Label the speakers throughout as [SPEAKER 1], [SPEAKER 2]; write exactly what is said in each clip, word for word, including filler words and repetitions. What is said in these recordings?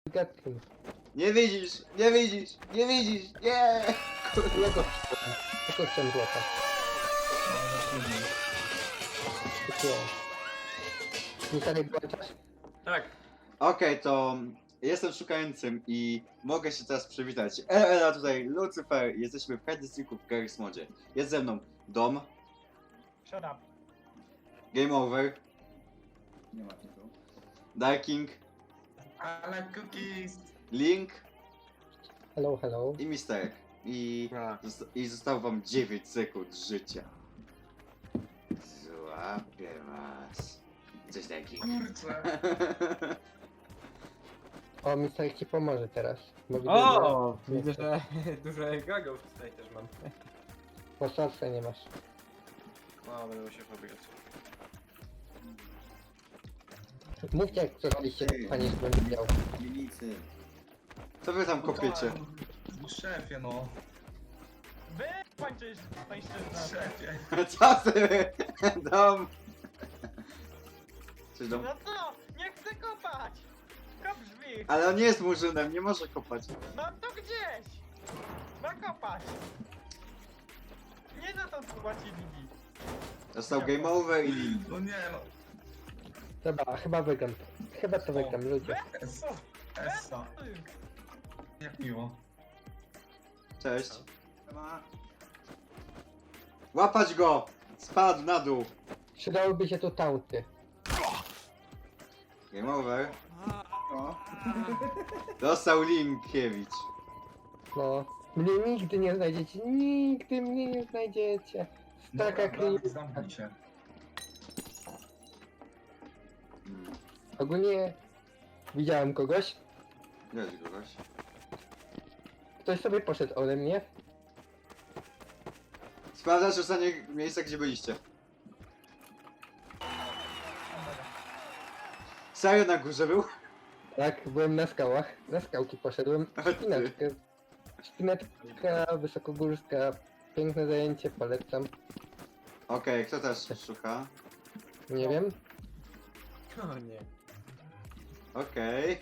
[SPEAKER 1] Gatkin.
[SPEAKER 2] Nie widzisz, nie widzisz, nie widzisz, nie!
[SPEAKER 1] Ja go tylko chciałem złapać. Takie. Nie dalej włączasz?
[SPEAKER 3] Tak.
[SPEAKER 2] Okej, to jestem szukającym i mogę się teraz przywitać. Ela tutaj, Lucyfer, jesteśmy w Hardysticku w Garry's Modzie. Jest ze mną Dom,
[SPEAKER 4] Shut up.
[SPEAKER 2] Game Over,
[SPEAKER 5] Nie ma tytułu.
[SPEAKER 2] Darking,
[SPEAKER 5] Ale cookies!
[SPEAKER 2] Link
[SPEAKER 1] Hello, hello.
[SPEAKER 2] i Misterek. I,
[SPEAKER 3] A.
[SPEAKER 2] zosta- I zostało wam dziewięć sekund życia. Złapię was. Coś takiego.
[SPEAKER 5] Kurczę!
[SPEAKER 1] O, Mister ci pomoże teraz. Bo widzę,
[SPEAKER 3] O!
[SPEAKER 1] że-
[SPEAKER 3] Widzę, że dużo gagów tutaj też mam.
[SPEAKER 1] Bo szarsa nie masz.
[SPEAKER 3] No, będę musiał pobiegać.
[SPEAKER 1] Mówcie jak zrobiliście, panie, że będę miał.
[SPEAKER 5] Milicy.
[SPEAKER 2] Co wy tam kopiecie?
[SPEAKER 5] No, szefie no.
[SPEAKER 4] Wy kończysz pańszczyznę.
[SPEAKER 5] Szefie.
[SPEAKER 2] Co ty? Dom! Coś dom?
[SPEAKER 4] No co? Nie chcę kopać! Kop drzwi!
[SPEAKER 2] Ale on nie jest murzynem, nie może kopać.
[SPEAKER 4] No to gdzieś! Ma kopać! Nie za to płacili mi.
[SPEAKER 2] Dostał Game Over i Link.
[SPEAKER 5] No nie no.
[SPEAKER 1] Dobra, chyba wygram. Chyba to wygram, ludzie.
[SPEAKER 5] Es, essa. Jak miło.
[SPEAKER 2] Cześć. Łapać go! Spadł na dół.
[SPEAKER 1] Przydałyby się tu taunty.
[SPEAKER 2] Game Over.
[SPEAKER 5] No.
[SPEAKER 2] Dostał Linkiewicz.
[SPEAKER 1] No. Mnie nigdy nie znajdziecie, nigdy mnie nie znajdziecie. Taka
[SPEAKER 5] Dobra,
[SPEAKER 1] kli...
[SPEAKER 5] Dawid, zamknij się.
[SPEAKER 2] Hmm.
[SPEAKER 1] Ogólnie widziałem kogoś.
[SPEAKER 2] Wiesz kogoś.
[SPEAKER 1] Ktoś sobie poszedł ode mnie.
[SPEAKER 2] Sprawdzasz ostatnie miejsca, gdzie byliście. Serio na górze był?
[SPEAKER 1] Tak, byłem na skałach. Na skałki poszedłem.
[SPEAKER 2] A ty.
[SPEAKER 1] Szpinaczkę. Szpinaczka wysokogórska. Piękne zajęcie, polecam.
[SPEAKER 2] Okej, kto też szuka?
[SPEAKER 1] Nie wiem.
[SPEAKER 3] O nie.
[SPEAKER 2] Okej.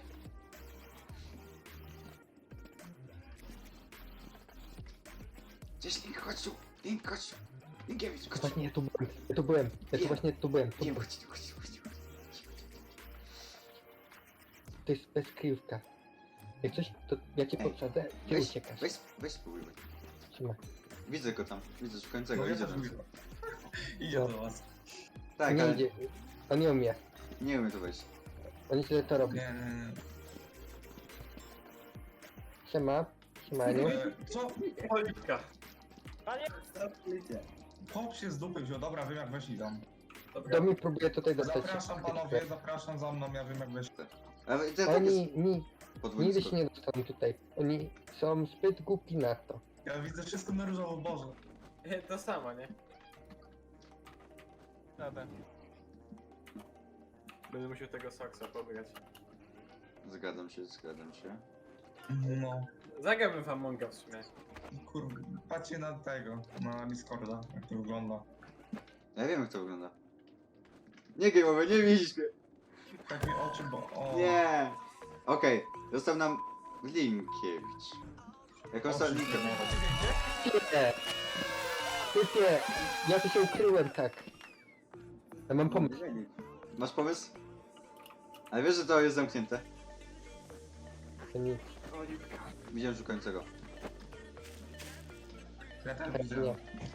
[SPEAKER 2] Gdzieś Link, chodź tu! Link, chodź tu! Linkiewicz, chodź tu!
[SPEAKER 1] Właśnie ja tu byłem. Ja tu byłem. Ja tu
[SPEAKER 2] Nie.
[SPEAKER 1] właśnie tu byłem. Tu,
[SPEAKER 2] Nie,
[SPEAKER 1] byłem.
[SPEAKER 2] chodź tu, chodź tu, chodź tu.
[SPEAKER 1] To jest bezkryjówka. Jak coś, to ja cię
[SPEAKER 2] Ej,
[SPEAKER 1] podsadzę, ty
[SPEAKER 2] Weź,
[SPEAKER 1] uciekasz.
[SPEAKER 2] weź, weź spróbuj.
[SPEAKER 1] Trzyma.
[SPEAKER 2] Widzę go tam, widzę szukającego,
[SPEAKER 5] No ja
[SPEAKER 2] idzie
[SPEAKER 5] też
[SPEAKER 2] tam.
[SPEAKER 5] mówię. Idzie
[SPEAKER 1] No.
[SPEAKER 5] do was.
[SPEAKER 2] Tak,
[SPEAKER 1] nie
[SPEAKER 2] ale
[SPEAKER 1] idzie. On nie umie.
[SPEAKER 2] nie umiem tu wejść.
[SPEAKER 1] On źle to robi.
[SPEAKER 5] Nie, nie, nie.
[SPEAKER 1] Siema. Siemaniu.
[SPEAKER 5] E, Co?
[SPEAKER 3] Oliwka.
[SPEAKER 4] Panie,
[SPEAKER 5] Pop się z dupy wziął. Dobra, wiem jak weszli tam.
[SPEAKER 1] Do mnie próbuje tutaj dostać.
[SPEAKER 5] Zapraszam panowie, zapraszam za mną, ja wiem jak weszli.
[SPEAKER 2] Ale to tak jest
[SPEAKER 1] Oni ni,
[SPEAKER 2] podwójny
[SPEAKER 1] nigdy
[SPEAKER 2] skok.
[SPEAKER 1] się nie dostaną tutaj. Oni są zbyt głupi na to.
[SPEAKER 5] Ja widzę wszystko na różowo, Boże.
[SPEAKER 3] To samo, nie?
[SPEAKER 4] Dobra.
[SPEAKER 3] Będę musiał tego saksa pobrać.
[SPEAKER 2] Zgadzam się, zgadzam się.
[SPEAKER 5] No.
[SPEAKER 3] Zagrałbym w Amonga w sumie.
[SPEAKER 5] Kurwa, patrzcie na tego, na Discorda, jak to wygląda.
[SPEAKER 2] Ja wiem jak to wygląda. Nie Game Over, nie widzisz mnie!
[SPEAKER 5] Tak mi oczy, bo... O.
[SPEAKER 2] Nie! Okej, został nam Linkiewicz. Jak
[SPEAKER 5] Oczy
[SPEAKER 2] ostatni
[SPEAKER 5] mi krwawe.
[SPEAKER 1] Typie! Typie! Ja tu się ukryłem tak. Ja mam pomysł.
[SPEAKER 2] Masz pomysł? Ale wiesz, że to jest zamknięte.
[SPEAKER 1] To nic.
[SPEAKER 2] Widziałem szukającego.
[SPEAKER 5] Ja też
[SPEAKER 1] Tak,
[SPEAKER 5] widzę.
[SPEAKER 1] nie.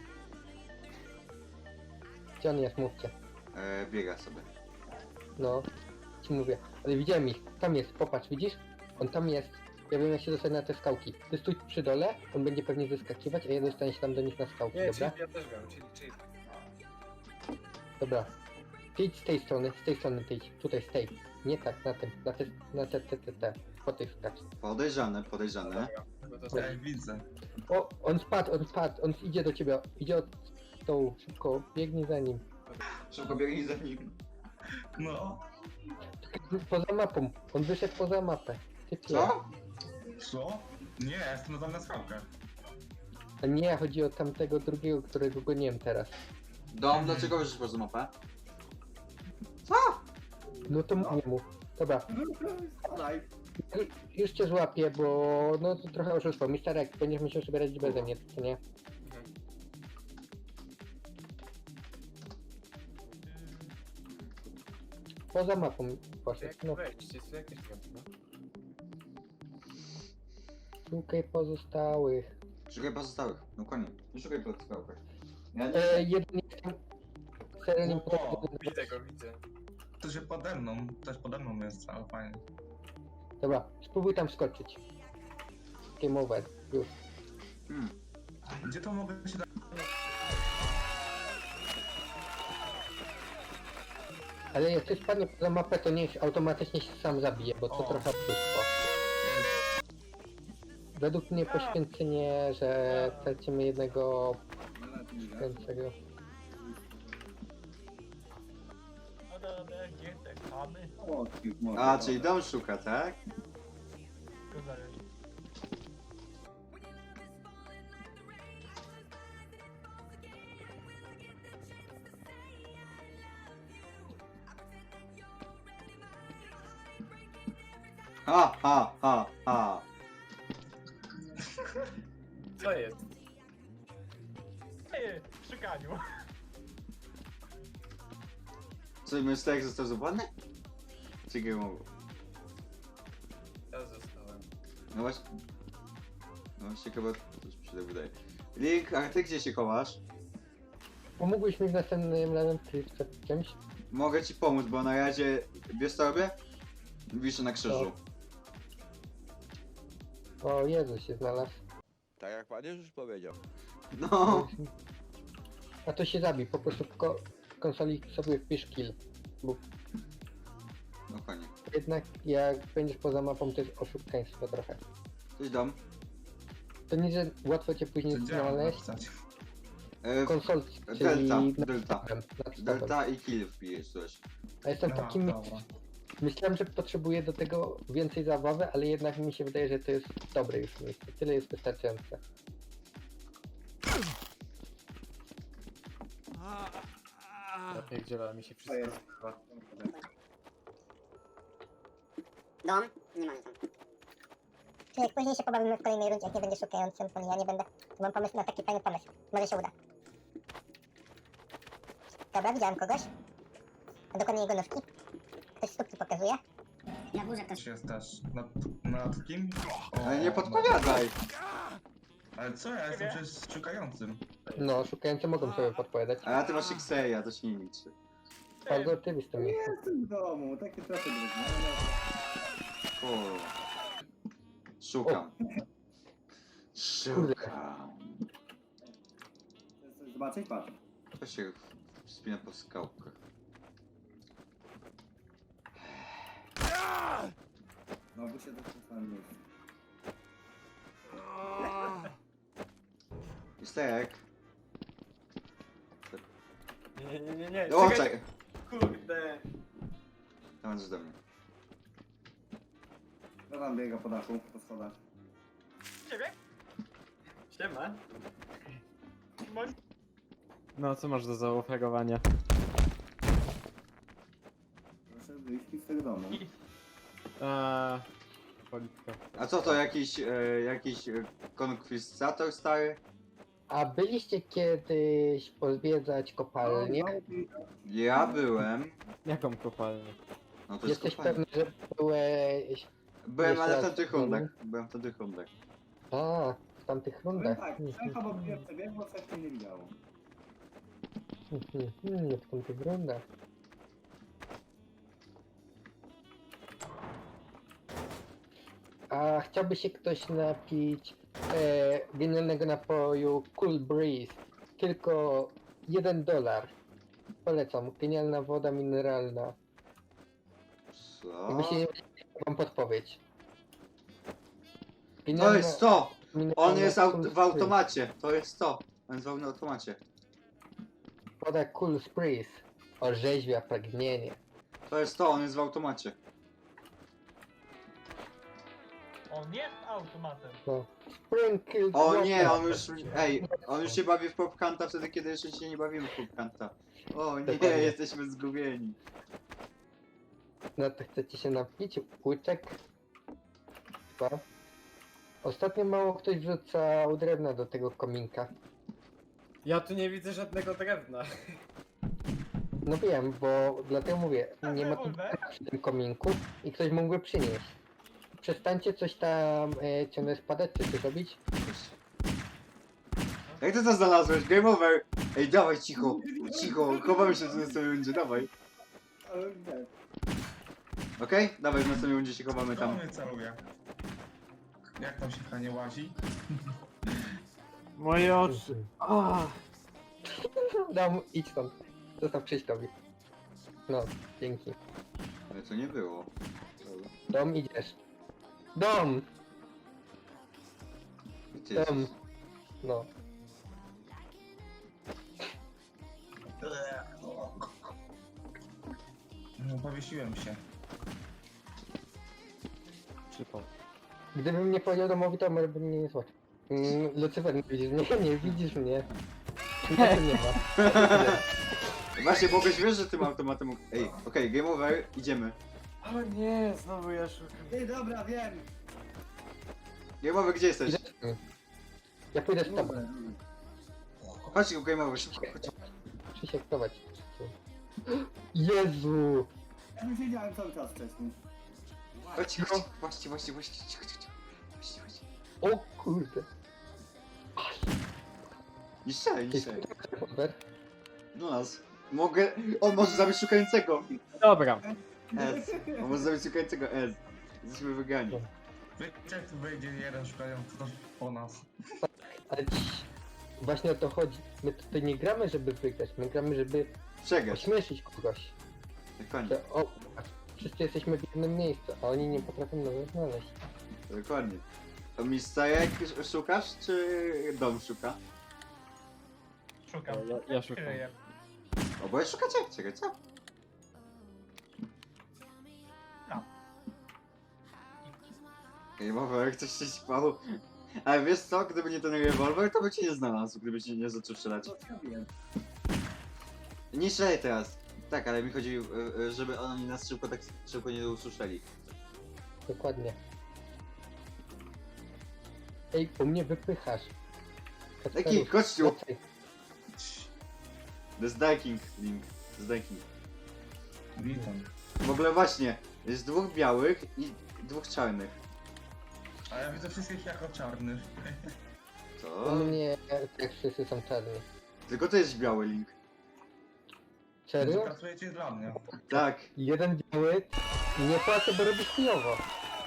[SPEAKER 1] Gdzie on jest? Mówcie.
[SPEAKER 2] E, biega sobie.
[SPEAKER 1] No. Ci mówię. Ale widziałem ich. Tam jest. Popatrz, widzisz? On tam jest. Ja wiem jak się dostać na te skałki. Ty stój przy dole, on będzie pewnie wyskakiwać, a ja dostanę się tam do nich na skałki,
[SPEAKER 3] Nie,
[SPEAKER 1] dobra?
[SPEAKER 3] czyli ja też wiem, czyli, czyli...
[SPEAKER 1] Dobra. Ty idź z tej strony, z tej strony ty idź. Tutaj, z tej. Nie tak, na tym, na te, na te, te, te, te. Po tych skacz.
[SPEAKER 2] Podejrzane, podejrzane.
[SPEAKER 3] No to
[SPEAKER 5] Ja widzę.
[SPEAKER 1] O, on spadł, on spadł, on idzie do ciebie, idzie od stołu, szybko, biegnij za nim.
[SPEAKER 2] Szybko biegnij za nim.
[SPEAKER 5] No.
[SPEAKER 1] Poza mapą, on wyszedł poza mapę. Ty pie.
[SPEAKER 2] Co?
[SPEAKER 5] Co? Nie, ja jestem na na skałkę.
[SPEAKER 1] A nie, chodzi o tamtego drugiego, którego goniłem teraz.
[SPEAKER 2] Dom, dlaczego wyszłeś poza mapę?
[SPEAKER 1] No to mówię mu. Dobra, Już cię złapię, bo no to trochę oszustwo. Misterek, będziesz musiał sobie radzić beze mnie, co nie?
[SPEAKER 3] Mhm.
[SPEAKER 1] Poza mapą
[SPEAKER 3] To
[SPEAKER 1] poszedł.
[SPEAKER 3] jak
[SPEAKER 1] No,
[SPEAKER 3] wejść? Jest tu jakieś no.
[SPEAKER 1] szukaj pozostałych.
[SPEAKER 2] Szukaj pozostałych. No koniec. Nie szukaj pozostałych. Ja nie...
[SPEAKER 1] E, jeden jest tam... Serio nie
[SPEAKER 5] O,
[SPEAKER 1] potrafię...
[SPEAKER 3] Widzę go, widzę.
[SPEAKER 5] To się pode mną, też pode mną jest, ale fajnie.
[SPEAKER 1] Dobra, spróbuj tam skoczyć. Game over, już.
[SPEAKER 2] Hmm.
[SPEAKER 5] Gdzie to mogę się dać?
[SPEAKER 1] Ale jak ktoś spadnie poza mapę, to niech automatycznie się sam zabije, bo to
[SPEAKER 5] O.
[SPEAKER 1] trochę oszustwo. Według mnie poświęcenie, że tracimy jednego kręcego.
[SPEAKER 4] No dobra, gdzie te chamy?
[SPEAKER 2] A, czyli dom szuka, tak?
[SPEAKER 4] To zależy.
[SPEAKER 2] Ha, ha, ha, ha.
[SPEAKER 3] Co jest?
[SPEAKER 4] Ej, w szukaniu.
[SPEAKER 2] Co, Misterek został złapany? Czy nie mogło?
[SPEAKER 3] Ja zostałem.
[SPEAKER 2] No właśnie. No właśnie chyba coś mi się tak wydaje. Link, a ty gdzie się chowasz?
[SPEAKER 1] Pomógłbyś mi w następnym razem przed czymś?
[SPEAKER 2] Mogę ci pomóc, bo na razie wiesz co robię? Wiszę na krzyżu.
[SPEAKER 1] O Jezu, się znalazł.
[SPEAKER 6] Tak jak pan Jezus powiedział.
[SPEAKER 2] No.
[SPEAKER 1] A to się zabij, po prostu w ko konsoli sobie wpisz kill. Bo
[SPEAKER 2] No koniec.
[SPEAKER 1] jednak jak będziesz poza mapą, to jest oszukaństwo trochę.
[SPEAKER 2] Cześć dom.
[SPEAKER 1] To nie, że łatwo cię później
[SPEAKER 5] Gdzie mam
[SPEAKER 1] znaleźć.
[SPEAKER 5] napisać?
[SPEAKER 2] E,
[SPEAKER 1] Konsol, czyli
[SPEAKER 2] Delta,
[SPEAKER 1] nad
[SPEAKER 2] Delta.
[SPEAKER 1] stopem, nad stopem.
[SPEAKER 2] Delta i kill wbijesz coś.
[SPEAKER 1] A jestem
[SPEAKER 5] Aha,
[SPEAKER 1] takim...
[SPEAKER 5] dobra.
[SPEAKER 1] Myślałem, że potrzebuję do tego więcej zabawy, ale jednak mi się wydaje, że to jest dobre już miejsce. Tyle jest wystarczające.
[SPEAKER 3] Ja pierdzielę, mi się wszystko rozpływa.
[SPEAKER 7] Dom? Nie mamy tam. Czy jak później się pobawimy w kolejnej rundzie, jak nie będzie szukającym, to ja nie będę. To mam pomysł na taki fajny pomysł. Może się uda. Dobra, widziałem kogoś. A dokładnie jego nóżki. Ktoś stópki pokazuje. Na górze ktoś.
[SPEAKER 5] Jest też. Nad, nad kim? O,
[SPEAKER 2] Ale nie podpowiadaj!
[SPEAKER 5] Ale co, ja jestem przecież szukającym.
[SPEAKER 1] No, szukający mogą sobie podpowiadać.
[SPEAKER 2] A ty masz Xeya, to się nie liczy.
[SPEAKER 1] Bardzo oczywiste miejsce.
[SPEAKER 8] Jestem w domu, takie trochę drewniane.
[SPEAKER 2] Kurwa. Szukam. Szukam.
[SPEAKER 8] Chcesz zobaczyć? Patrz.
[SPEAKER 2] To się wspina po skałkach.
[SPEAKER 8] Znowu się w tym samym miejscu.
[SPEAKER 2] Misterek.
[SPEAKER 3] Nie, nie, nie, nie.
[SPEAKER 2] O,
[SPEAKER 3] czekaj.
[SPEAKER 2] czekaj.
[SPEAKER 3] Kurde.
[SPEAKER 2] Dawaj do mnie.
[SPEAKER 8] Kto tam biega po dachu, po schodach?
[SPEAKER 4] Ciebie?
[SPEAKER 3] Siema.
[SPEAKER 4] Masz...
[SPEAKER 9] No, co masz do zaoferowania?
[SPEAKER 8] Proszę wyjść mi z tego domu.
[SPEAKER 9] Eee, politka.
[SPEAKER 2] A co to, jakiś, e, jakiś e, konkwistator stary?
[SPEAKER 1] A byliście kiedyś pozwiedzać kopalnię?
[SPEAKER 8] No, i-
[SPEAKER 2] Ja byłem.
[SPEAKER 9] Jaką kopalnię?
[SPEAKER 2] No to jest
[SPEAKER 1] Jesteś
[SPEAKER 2] kopalnia.
[SPEAKER 1] pewny, że byłeś...
[SPEAKER 2] Byłem,
[SPEAKER 1] jeszcze
[SPEAKER 2] ale w
[SPEAKER 1] raz
[SPEAKER 2] tamtych
[SPEAKER 1] w domu?
[SPEAKER 2] rundach. Byłem w tamtych rundach.
[SPEAKER 1] A, w tamtych
[SPEAKER 8] Powiem
[SPEAKER 1] rundach.
[SPEAKER 8] tak,
[SPEAKER 1] Hmm,
[SPEAKER 8] Szefa bo pierwsze biegło, coś tu nie widziało.
[SPEAKER 1] hmm, hmm, hmm, w tamtych rundach. A chciałby się ktoś napić e, genialnego napoju Cool Breeze. Tylko jeden dolar. Polecam. Genialna woda mineralna.
[SPEAKER 2] Co?
[SPEAKER 1] Jakby się nie wam podpowiedź.
[SPEAKER 2] To jest to! On
[SPEAKER 1] mineralna
[SPEAKER 2] jest aut
[SPEAKER 1] Cool
[SPEAKER 2] w
[SPEAKER 1] Breeze.
[SPEAKER 2] automacie. To jest to. On jest w automacie.
[SPEAKER 1] Woda Cool Breeze. Orzeźwia pragnienie.
[SPEAKER 2] To jest to, on jest w automacie.
[SPEAKER 4] On jest automatem.
[SPEAKER 1] No. Sprinkle
[SPEAKER 2] O nie,
[SPEAKER 1] water.
[SPEAKER 2] on już, ej, on już się bawi w popkanta wtedy, kiedy jeszcze się nie bawimy w popkanta. O nie,
[SPEAKER 1] Dokładnie.
[SPEAKER 2] jesteśmy zgubieni.
[SPEAKER 1] No to chcecie się napić? Łyczek? państwa, ostatnio mało ktoś wrzucał drewna do tego kominka.
[SPEAKER 3] Ja tu nie widzę żadnego drewna.
[SPEAKER 1] No wiem, bo dlatego mówię,
[SPEAKER 4] A
[SPEAKER 1] nie ma tu
[SPEAKER 4] rewolwer?
[SPEAKER 1] przy tym kominku i ktoś mógłby przynieść. Przestańcie coś tam e, ciągle spadać, czy coś robić.
[SPEAKER 2] Jak ty to znalazłeś? Game over! Ej, dawaj, cicho, cicho, chowamy się tu na samym rundzie, dawaj.
[SPEAKER 8] Ale gdzie?
[SPEAKER 2] Okej? Dawaj, na samym rundzie się chowamy
[SPEAKER 5] To
[SPEAKER 2] tam.
[SPEAKER 5] mnie celuje. Jak tam się nie łazi?
[SPEAKER 9] Moje oczy. Ah.
[SPEAKER 1] Dam, idź stąd. Zostaw Krzyśkowi. No, dzięki.
[SPEAKER 2] Ale to nie było.
[SPEAKER 1] Dom, idziesz. Dom!
[SPEAKER 2] Gdzie
[SPEAKER 1] Dom!
[SPEAKER 2] jesteś?
[SPEAKER 1] No.
[SPEAKER 5] No, powiesiłem się.
[SPEAKER 9] Przypał.
[SPEAKER 1] Gdybym nie powiedział domowi, to może by mnie nie słuchać. Mm, Lucyfer, nie widzisz mnie? Nie widzisz mnie. Mnie tu nie ma.
[SPEAKER 2] Właśnie, mogłeś wiesz, że tym automatem... mógł- Ej, okej, game over, idziemy.
[SPEAKER 9] O nie, znowu ja szukam.
[SPEAKER 8] Ej, dobra, wiem.
[SPEAKER 2] Game over, gdzie jesteś?
[SPEAKER 1] Idziesz z tym. Ja pójdę z tobą.
[SPEAKER 8] Dobra.
[SPEAKER 2] Chodź, go game over, szybko, chodź.
[SPEAKER 1] Krzysiek, prowadź. Jezu!
[SPEAKER 8] Ja już siedziałem cały czas wcześniej.
[SPEAKER 2] Chodź, chodź, właśnie, właśnie, właśnie, cicho, cicho, cicho. Właśnie, właśnie.
[SPEAKER 1] O kurde.
[SPEAKER 2] Nie strzelaj, nie
[SPEAKER 1] Ty
[SPEAKER 2] strzelaj.
[SPEAKER 1] rewolwer?
[SPEAKER 2] No nas. Mogę... On może zabić szukającego.
[SPEAKER 9] Dobra.
[SPEAKER 2] S. On może zabić szukającego S. Jesteśmy wygrani.
[SPEAKER 5] Wiecie, jak tu wejdzie jeden szukający to po nas.
[SPEAKER 1] Ale ci... Właśnie o to chodzi. My tutaj nie gramy, żeby wygrać. My gramy, żeby
[SPEAKER 2] Przegrać.
[SPEAKER 1] ośmieszyć kogoś.
[SPEAKER 2] Dokładnie.
[SPEAKER 1] Że, o, patrz, wszyscy jesteśmy w jednym miejscu, a oni nie potrafią nas znaleźć.
[SPEAKER 2] Dokładnie. To mistajek szukasz, czy dom szuka?
[SPEAKER 4] Szukam.
[SPEAKER 9] Ja, ja szukam.
[SPEAKER 4] Kryję.
[SPEAKER 2] Oboje szukacie? Czekaj, co? Ej, Rewolwer, jak coś się śpał. Ale wiesz co, gdyby nie ten rewolwer, to by cię nie znalazł, gdybyś nie, nie zaczął strzelać.
[SPEAKER 8] Co ja wiem?
[SPEAKER 2] Nie strzelaj teraz. Tak, ale mi chodzi, y, y, żeby oni nas szybko tak szybko nie usłyszeli.
[SPEAKER 1] Dokładnie. Ej, u mnie wypychasz.
[SPEAKER 2] Jaki kościół?
[SPEAKER 1] Wracaj.
[SPEAKER 2] To jest Dyking Link. To jest Dyking.
[SPEAKER 5] Witam.
[SPEAKER 2] W ogóle właśnie, jest dwóch białych i dwóch czarnych.
[SPEAKER 5] A ja widzę wszystkich jako czarnych.
[SPEAKER 2] Co?
[SPEAKER 1] U mnie tak wszyscy są czarni.
[SPEAKER 2] Tylko to jest biały Link.
[SPEAKER 1] Serio?
[SPEAKER 5] Pracujecie dla mnie.
[SPEAKER 2] Tak.
[SPEAKER 1] Jeden biały nie płacę, bo robi chujowo.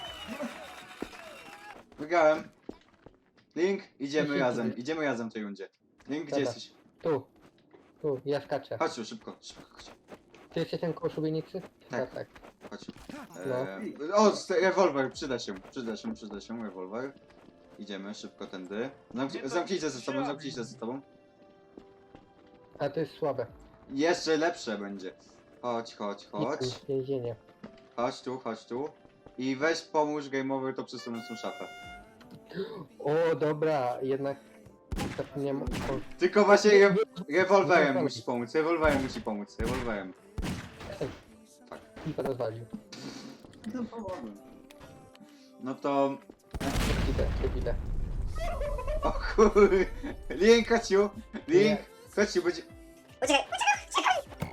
[SPEAKER 2] Wygrałem. Link, idziemy
[SPEAKER 1] Jeśli
[SPEAKER 2] razem,
[SPEAKER 1] ty-
[SPEAKER 2] idziemy razem w tej rundzie. Link, gdzie
[SPEAKER 1] Dobra.
[SPEAKER 2] jesteś?
[SPEAKER 1] Tu. Tu, ja skaczę.
[SPEAKER 2] Chodź tu, szybko, szybko, chodź.
[SPEAKER 1] Ty jesteś ten koło szubienicy?
[SPEAKER 2] Tak.
[SPEAKER 1] tak.
[SPEAKER 2] Chodź.
[SPEAKER 1] No.
[SPEAKER 2] Eee, o, st- rewolwer, przyda się, przyda się, przyda się, rewolwer. Idziemy szybko tędy. Zamknij,
[SPEAKER 4] Nie, to
[SPEAKER 2] zamknijcie ze sobą,
[SPEAKER 4] trzeba
[SPEAKER 2] zamknijcie
[SPEAKER 4] mi.
[SPEAKER 2] ze sobą.
[SPEAKER 1] A to jest słabe.
[SPEAKER 2] Jeszcze lepsze będzie. Chodź, chodź, chodź.
[SPEAKER 1] Nic, Więzienie.
[SPEAKER 2] Chodź tu, chodź tu. I weź pomóż gameover to przesunąć tą szafę.
[SPEAKER 1] O, dobra, jednak zapomniałem o...
[SPEAKER 2] Tylko właśnie re rewolwerem
[SPEAKER 1] Rewolwer.
[SPEAKER 2] musisz pomóc, rewolwerem musi pomóc, rewolwerem.
[SPEAKER 1] I to rozwalił.
[SPEAKER 8] No pomogłem.
[SPEAKER 2] No to...
[SPEAKER 1] Idę, idę.
[SPEAKER 2] O kur... Link, chodź tu! Link,
[SPEAKER 1] Nie.
[SPEAKER 2] chodź tu, będzie...
[SPEAKER 7] Uciekaj, uciekaj, uciekaj!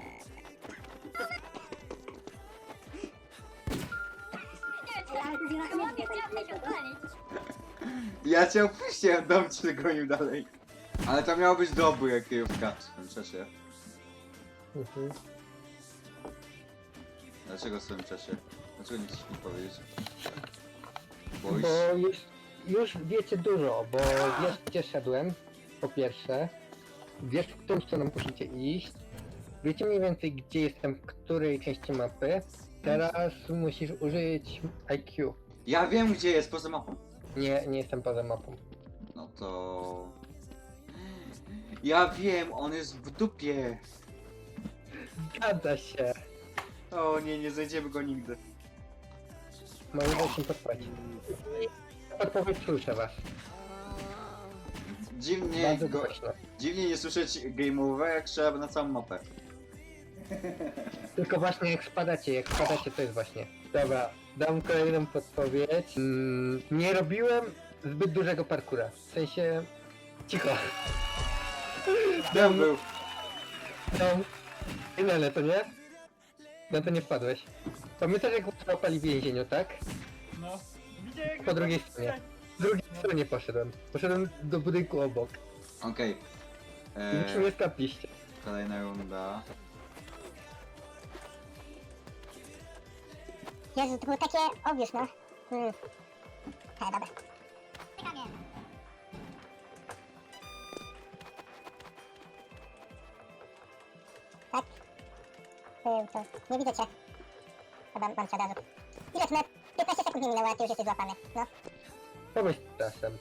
[SPEAKER 2] Ja cię opuściłem, dom cię gonił dalej. Ale to miało być dobry kryjówka w tym czasie.
[SPEAKER 1] Mhm.
[SPEAKER 2] Dlaczego w tym czasie? Dlaczego nie chcesz mi powiedzieć? Boisz?
[SPEAKER 1] Bo już, już wiecie dużo, bo wiesz gdzie szedłem, po pierwsze. Wiesz w którą stroną musicie iść. Wiecie mniej więcej gdzie jestem, w której części mapy. Teraz musisz użyć I Q.
[SPEAKER 2] Ja wiem gdzie jest, poza mapą.
[SPEAKER 1] Nie, nie jestem poza mapą.
[SPEAKER 2] No to... Ja wiem, on jest w dupie.
[SPEAKER 1] Zgadza się.
[SPEAKER 2] O nie, nie znajdziemy go nigdy.
[SPEAKER 1] Moim zdaniem podpowiedź. Podpowiedź słyszę was.
[SPEAKER 2] Dziwnie
[SPEAKER 1] Bardzo
[SPEAKER 2] go...
[SPEAKER 1] głośno.
[SPEAKER 2] Dziwnie nie słyszeć game over, jak trzeba na całą mapę.
[SPEAKER 1] Tylko właśnie jak spadacie, jak spadacie to jest właśnie. Dobra, dam kolejną podpowiedź. Mm, nie robiłem zbyt dużego parkura. W sensie... Cicho.
[SPEAKER 2] Tam był.
[SPEAKER 1] Dam... Inele, to nie? No to nie wpadłeś. Pamiętasz jak łapali w więzieniu, tak?
[SPEAKER 4] No. Widziałem,
[SPEAKER 1] Po drugiej stronie. Z drugiej stronie poszedłem. Poszedłem do budynku obok.
[SPEAKER 2] Okej.
[SPEAKER 1] I już mnie
[SPEAKER 2] Eee,
[SPEAKER 1] skapliście.
[SPEAKER 2] Kolejna runda.
[SPEAKER 7] Jezu, to było takie obvious, no. Hmm. E, dobra. Tak? Był to. Nie widzę cię. Chyba mam cię od razu. Ile to na piętnaście sekund nie minęło, a ty już jesteś złapany. No.
[SPEAKER 1] Pomyśl czasem.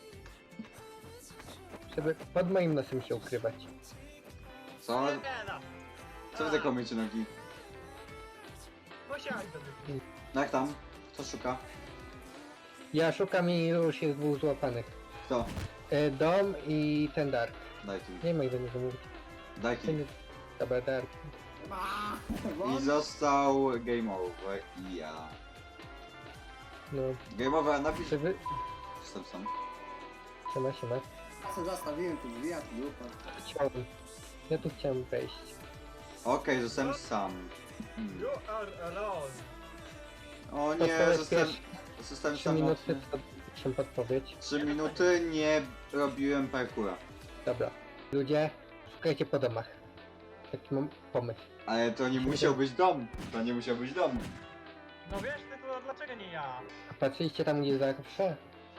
[SPEAKER 1] Żeby pod moim nosem się ukrywać.
[SPEAKER 2] Co?
[SPEAKER 4] Nie no.
[SPEAKER 2] Co wy tak komiecie nogi?
[SPEAKER 4] Musiałeś sobie.
[SPEAKER 2] Jak tam? Co szuka?
[SPEAKER 1] Ja szukam i już jest dwóch złapanych.
[SPEAKER 2] Kto?
[SPEAKER 1] E, Dom i ten Dark.
[SPEAKER 2] Daj tu.
[SPEAKER 1] Nie ma ich do niego mówić.
[SPEAKER 2] Daj
[SPEAKER 1] To
[SPEAKER 2] tu.
[SPEAKER 1] nie... Dobra, Dark.
[SPEAKER 2] I został game over i ja.
[SPEAKER 1] No,
[SPEAKER 2] Game over, napisz...
[SPEAKER 1] czy wy...
[SPEAKER 2] Jestem sam.
[SPEAKER 1] Siema, siema.
[SPEAKER 8] Ja sobie zastawiłem tu drzwi, a tu dupa.
[SPEAKER 1] Chciałem. Ja tu chciałem wejść.
[SPEAKER 2] Okej, zostałem sam. Hmm.
[SPEAKER 4] You are alone.
[SPEAKER 2] O
[SPEAKER 1] To
[SPEAKER 2] nie,
[SPEAKER 1] jest
[SPEAKER 2] zostałem...
[SPEAKER 1] pierwsze
[SPEAKER 2] Zostałem
[SPEAKER 1] trzy minuty,
[SPEAKER 2] samotny.
[SPEAKER 1] to proszę podpowiedź.
[SPEAKER 2] Trzy minuty nie robiłem parkura.
[SPEAKER 1] Dobra. Ludzie, szukajcie po domach. Taki mam pomysł.
[SPEAKER 2] Ale to nie musiał być dom. To nie musiał być dom.
[SPEAKER 4] No wiesz, ty to dlaczego nie ja?
[SPEAKER 1] A patrzyliście tam gdzie zawsze?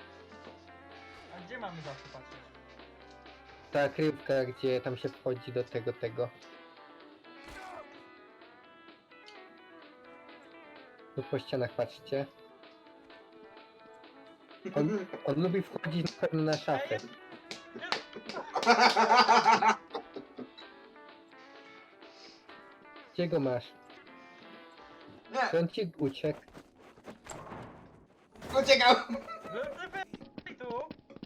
[SPEAKER 4] A gdzie mamy zawsze patrzeć?
[SPEAKER 1] Ta kryjówka, gdzie tam się wchodzi do tego, tego. Tu po ścianach patrzcie. On, on lubi wchodzić na pewno na szafę. Gdzie go masz?
[SPEAKER 2] Nie,
[SPEAKER 1] Czy on ci uciekł?
[SPEAKER 2] uciekał!
[SPEAKER 4] Lucyfer, tu!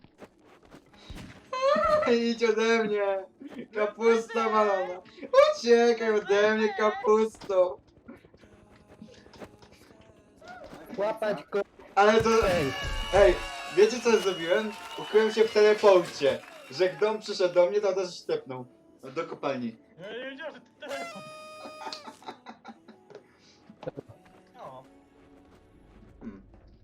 [SPEAKER 2] Idź ode mnie! Kapusta malona! Uciekaj ode mnie, kapusto!
[SPEAKER 1] Łapać go!
[SPEAKER 2] Ale to...
[SPEAKER 1] Ej,
[SPEAKER 2] Ej, wiecie co zrobiłem? Ukryłem się w teleporcie. Że jak dom przyszedł do mnie, to też stepnął. Do kopalni.
[SPEAKER 4] Ja nie wiedziałem, że to telefon. O,
[SPEAKER 2] Hmm.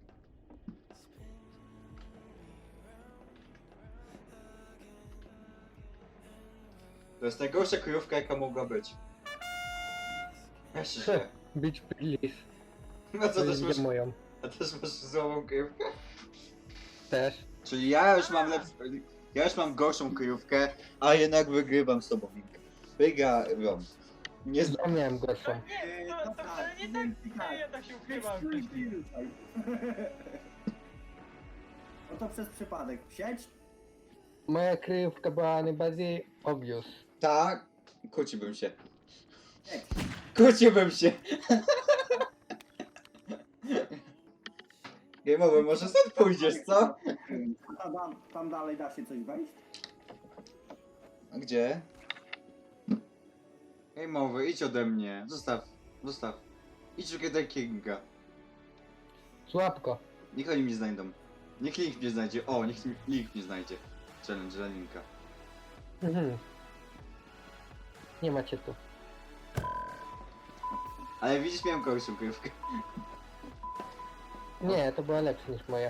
[SPEAKER 2] To jest najgorsza kryjówka, jaka mogła być. Ja się źle.
[SPEAKER 1] Beach please.
[SPEAKER 2] No co,
[SPEAKER 1] To
[SPEAKER 2] też masz,
[SPEAKER 1] jest moją.
[SPEAKER 2] a też masz złą kryjówkę?
[SPEAKER 1] Też.
[SPEAKER 2] Czyli ja już mam lepszą... Ja już mam gorszą kryjówkę, a jednak wygrywam z tobą. Wygrałem. Nie znam.
[SPEAKER 1] Ja miałem gorszą.
[SPEAKER 4] nie, to, to wcale nie tak. Ja jednak się ukrywam
[SPEAKER 8] Stój,
[SPEAKER 4] wcześniej.
[SPEAKER 8] stój, tutaj. No to przez przypadek. Siedź.
[SPEAKER 1] Moja kryjówka była najbardziej obvious.
[SPEAKER 2] Tak, kłóciłbym się.
[SPEAKER 8] Siedź.
[SPEAKER 2] Kłóciłbym się. Game over, może stąd pójdziesz, co?
[SPEAKER 8] A tam, tam dalej da się coś wejść?
[SPEAKER 2] A gdzie? Game over, idź ode mnie. Zostaw, zostaw. Idź szukaj do Kinga.
[SPEAKER 1] Słabko.
[SPEAKER 2] Niech oni mnie znajdą. Niech Link mnie znajdzie. O, niech Link mnie znajdzie. Challenge dla Linka.
[SPEAKER 1] Mhm. Nie macie tu.
[SPEAKER 2] Ale widzisz, miałem gorszą kryjówkę.
[SPEAKER 1] Nie, to była lepsza niż moja.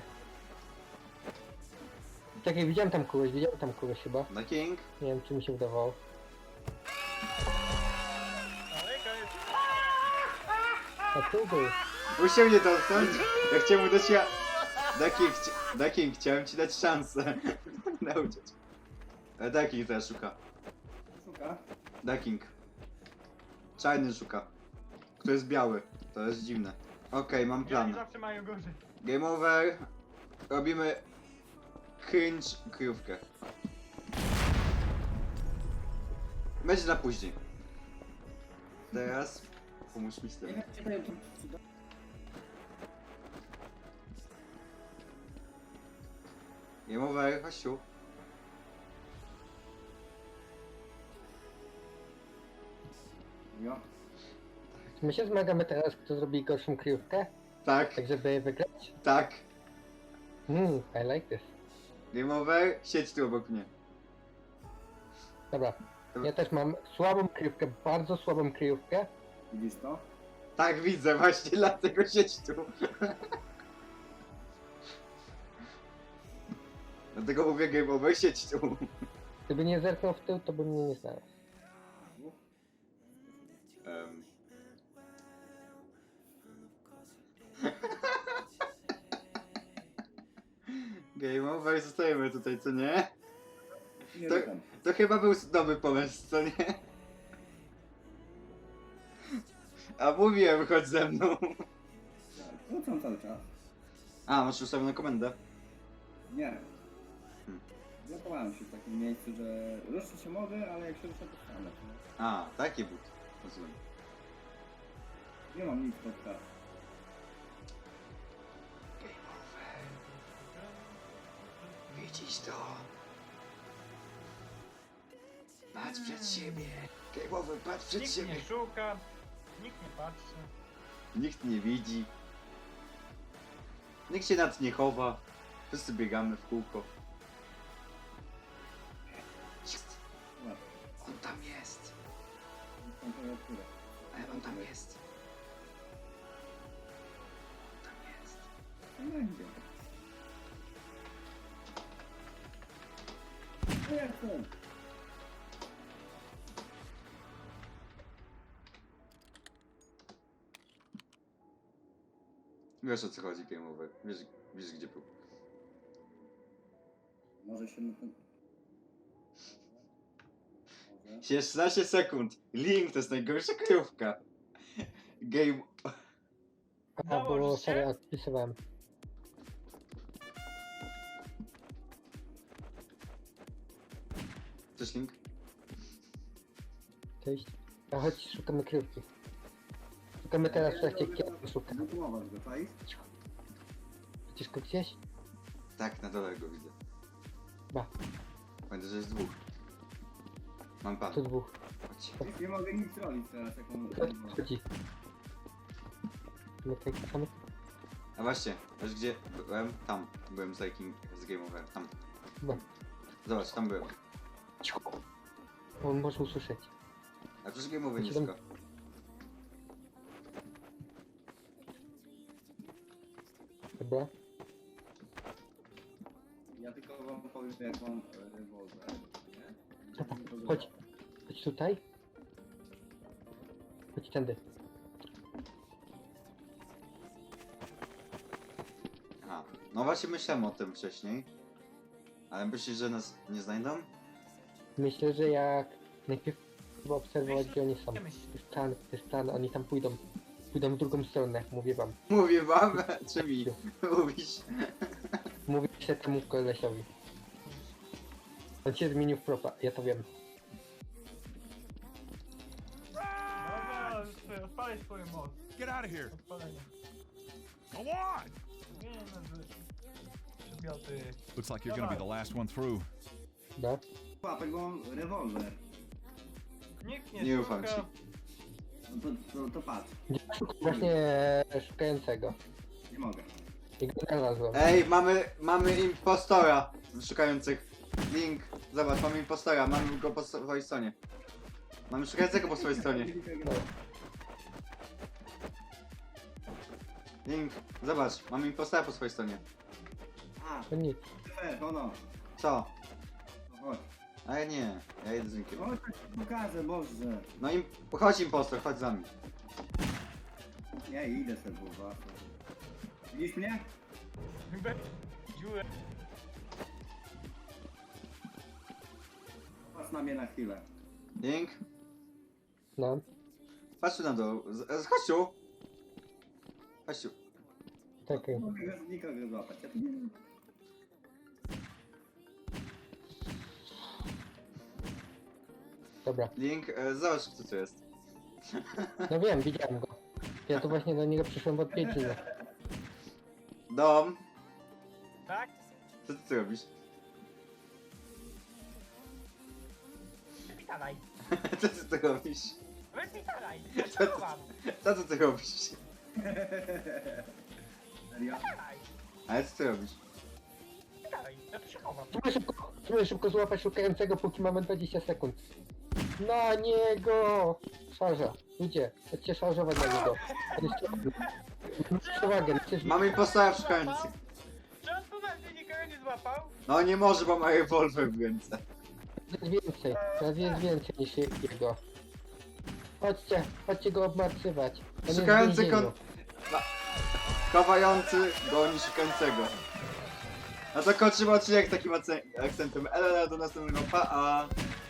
[SPEAKER 1] Czekaj, widziałem tam kogoś, widziałem tam kogoś chyba.
[SPEAKER 2] Na King.
[SPEAKER 1] Nie wiem, czy mi się wydawało.
[SPEAKER 4] Ale koniec.
[SPEAKER 1] A tu był.
[SPEAKER 2] Musiał mnie dotknąć. Ja chciałem mu dać ja... Daking, chci... Daking, chciałem ci dać szansę. Nauczyć. E, Daking teraz szuka.
[SPEAKER 8] Szuka.
[SPEAKER 2] Daking. Czarny szuka. Kto jest biały. To jest dziwne. Okej, mam
[SPEAKER 4] Ja
[SPEAKER 2] plan.
[SPEAKER 4] nie zawsze mają gorzej.
[SPEAKER 2] Game over. Robimy... Cringe kryjówkę. Będzie na później. Teraz... Pomóż mi z
[SPEAKER 8] Nie
[SPEAKER 2] tym.
[SPEAKER 8] wiem, czy to jest... czy to-
[SPEAKER 2] Game over, chodź tu.
[SPEAKER 8] Jo.
[SPEAKER 1] My się zmagamy teraz, kto zrobi gorszą kryjówkę,
[SPEAKER 2] Tak,
[SPEAKER 1] tak żeby wygrać.
[SPEAKER 2] tak.
[SPEAKER 1] Hmm, I like this.
[SPEAKER 2] Game over, siedź tu obok mnie.
[SPEAKER 1] Dobra, ja też mam słabą kryjówkę, bardzo słabą kryjówkę.
[SPEAKER 8] Widzisz to?
[SPEAKER 2] Tak, widzę, właśnie dlatego siedź tu. Dlatego mówię game over, siedź tu.
[SPEAKER 1] Gdyby nie zerknął w tył, to by mnie nie znalazł.
[SPEAKER 2] Um. Game over, zostajemy tutaj, co nie?
[SPEAKER 8] Nie
[SPEAKER 2] To-
[SPEAKER 8] rucham.
[SPEAKER 2] To chyba był dobry pomysł, co nie? A mówiłem, chodź ze mną.
[SPEAKER 8] Tak, Rzucam cały czas.
[SPEAKER 2] A, masz ustawioną komendę?
[SPEAKER 8] Nie.
[SPEAKER 2] Hmm.
[SPEAKER 8] Blokowałem się w takim miejscu, że ruszyć się mogę, ale jak się ruszę to stanę.
[SPEAKER 2] A, taki but. Rozumiem.
[SPEAKER 8] Nie mam nic pod czas.
[SPEAKER 2] Widzisz to? Patrz przed siebie. Game over, patrz przed
[SPEAKER 4] Nikt
[SPEAKER 2] siebie.
[SPEAKER 4] nie szuka, nikt nie patrzy.
[SPEAKER 2] Nikt nie widzi. Nikt się nad nie chowa. Wszyscy biegamy w kółko. Jest. On tam jest.
[SPEAKER 8] Temperaturę.
[SPEAKER 2] Ale on tam jest. On tam jest.
[SPEAKER 8] No będzie. No jak to?
[SPEAKER 2] Wiesz o co chodzi, game over. Wiesz, wiesz gdzie był.
[SPEAKER 8] Może się na ten... Może...
[SPEAKER 2] szesnaście sekund. Link to jest najgorsza kryjówka. Game...
[SPEAKER 1] A, bo
[SPEAKER 4] Założysz się?
[SPEAKER 1] serio odpisywałem.
[SPEAKER 2] Cześć Link?
[SPEAKER 1] Cześć. A chodź, szukamy kryjówki. Szukamy teraz w trakcie, kiedy szukam.
[SPEAKER 8] Wypróbować go, czaisz?
[SPEAKER 1] Widzisz go gdzieś?
[SPEAKER 2] Tak, na dole go widzę.
[SPEAKER 1] Ba,
[SPEAKER 2] Pamiętaj, że jest dwóch. Mam pan.
[SPEAKER 1] tu dwóch.
[SPEAKER 2] Chodź.
[SPEAKER 8] Wiesz, nie mogę nic robić teraz, jak on...
[SPEAKER 1] Chodzi. No tak, tam.
[SPEAKER 2] A właśnie, wiesz gdzie byłem? Tam. Byłem z King z Game Over. Tam.
[SPEAKER 1] No.
[SPEAKER 2] Zobacz, tam byłem.
[SPEAKER 1] On może usłyszeć.
[SPEAKER 2] A przecież Game Over
[SPEAKER 1] Siedem-
[SPEAKER 2] nisko.
[SPEAKER 1] Dobra.
[SPEAKER 8] Ja tylko wam powiem, jak mam e, rewolwer, nie?
[SPEAKER 1] Dobra, chodź. Chodź tutaj. Chodź tędy.
[SPEAKER 2] Aha. No właśnie myślałem o tym wcześniej. Ale myślisz, że nas nie znajdą?
[SPEAKER 1] Myślę, że jak najpierw trzeba obserwować, gdzie oni są.
[SPEAKER 4] Nie
[SPEAKER 1] To
[SPEAKER 4] myśl.
[SPEAKER 1] jest plan, to jest plan, oni tam pójdą. Pójdą w drugą stronę, mówię wam.
[SPEAKER 2] Mówię wam, czy mi mówisz?
[SPEAKER 1] Mówię się temu kolesiowi. On się zmienił w propa, ja to wiem.
[SPEAKER 4] Dobra, już odpalaj swoją moc.
[SPEAKER 10] Get out of here.
[SPEAKER 4] Odpalenie.
[SPEAKER 10] Go on.
[SPEAKER 4] Nie no, że... Przedmioty.
[SPEAKER 10] Looks like you're gonna be the last one through.
[SPEAKER 1] No.
[SPEAKER 8] Łapek, bo mam rewolwer.
[SPEAKER 4] Nikt nie,
[SPEAKER 2] Nie
[SPEAKER 4] szuka.
[SPEAKER 2] ufam ci.
[SPEAKER 8] No to, to, to patrz.
[SPEAKER 1] Właśnie szukającego.
[SPEAKER 8] Nie mogę.
[SPEAKER 1] I go znalazłem.
[SPEAKER 2] Ej, mamy, mamy impostora szukających. Link, zobacz, mamy impostora, mamy go po swojej stronie. Mamy szukającego po swojej stronie. Link, zobacz, mamy impostora po swojej stronie.
[SPEAKER 8] A,
[SPEAKER 1] To nic.
[SPEAKER 8] e, no no.
[SPEAKER 2] Co?
[SPEAKER 8] No chodź.
[SPEAKER 2] Ale nie, ja jedę z Linkiem.
[SPEAKER 8] Chodź, tak ci pokażę, Boże.
[SPEAKER 2] No im, chodź impostor, chodź za mną.
[SPEAKER 8] Nie, idę sobie, bo widzisz mnie?
[SPEAKER 4] Dziurę.
[SPEAKER 8] Patrz na mnie na chwilę.
[SPEAKER 2] Link,
[SPEAKER 1] No.
[SPEAKER 2] patrz tu na dół, z, z, chodź tu. Chodź tu.
[SPEAKER 1] Czekaj.
[SPEAKER 8] Nie mogę nikogo złapać. Ja tu nie wiem.
[SPEAKER 1] Dobra.
[SPEAKER 2] Link, e, zobacz co tu jest.
[SPEAKER 1] No wiem, widziałem go. Ja tu właśnie do niego przyszłem w odwiedziny.
[SPEAKER 2] Dom,
[SPEAKER 4] Tak?
[SPEAKER 2] co ty tu robisz?
[SPEAKER 4] Dawaj.
[SPEAKER 2] Co ty tu robisz?
[SPEAKER 4] Wypitalaj! Ja się chowam!
[SPEAKER 2] Co ty, ty robisz?
[SPEAKER 8] Serio?
[SPEAKER 4] Wypitalaj!
[SPEAKER 2] Ale co ty robisz?
[SPEAKER 4] Wypitalaj! Ja tu się chowam.
[SPEAKER 1] Spróbuj szybko, spróbuj szybko złapać szukającego, póki mamy dwadzieścia sekund. Na niego! Szarża. Ludzie, chodźcie szarżować na niego. On jest ciągły. Przewagę, przecież...
[SPEAKER 2] Mamy impostora szukających.
[SPEAKER 4] Czy on poważnie nikogo nie złapał?
[SPEAKER 2] No nie może, bo ma rewolwer w ręce.
[SPEAKER 1] Jest więcej, teraz jest więcej niż jego. Chodźcie, chodźcie go obmartwywać. On jest w
[SPEAKER 2] Szukający
[SPEAKER 1] więzieniu.
[SPEAKER 2] kon... Chowający goni szukającego. No to kończymy odcinek takim akcentem. Elo, do następnego, pa! -a.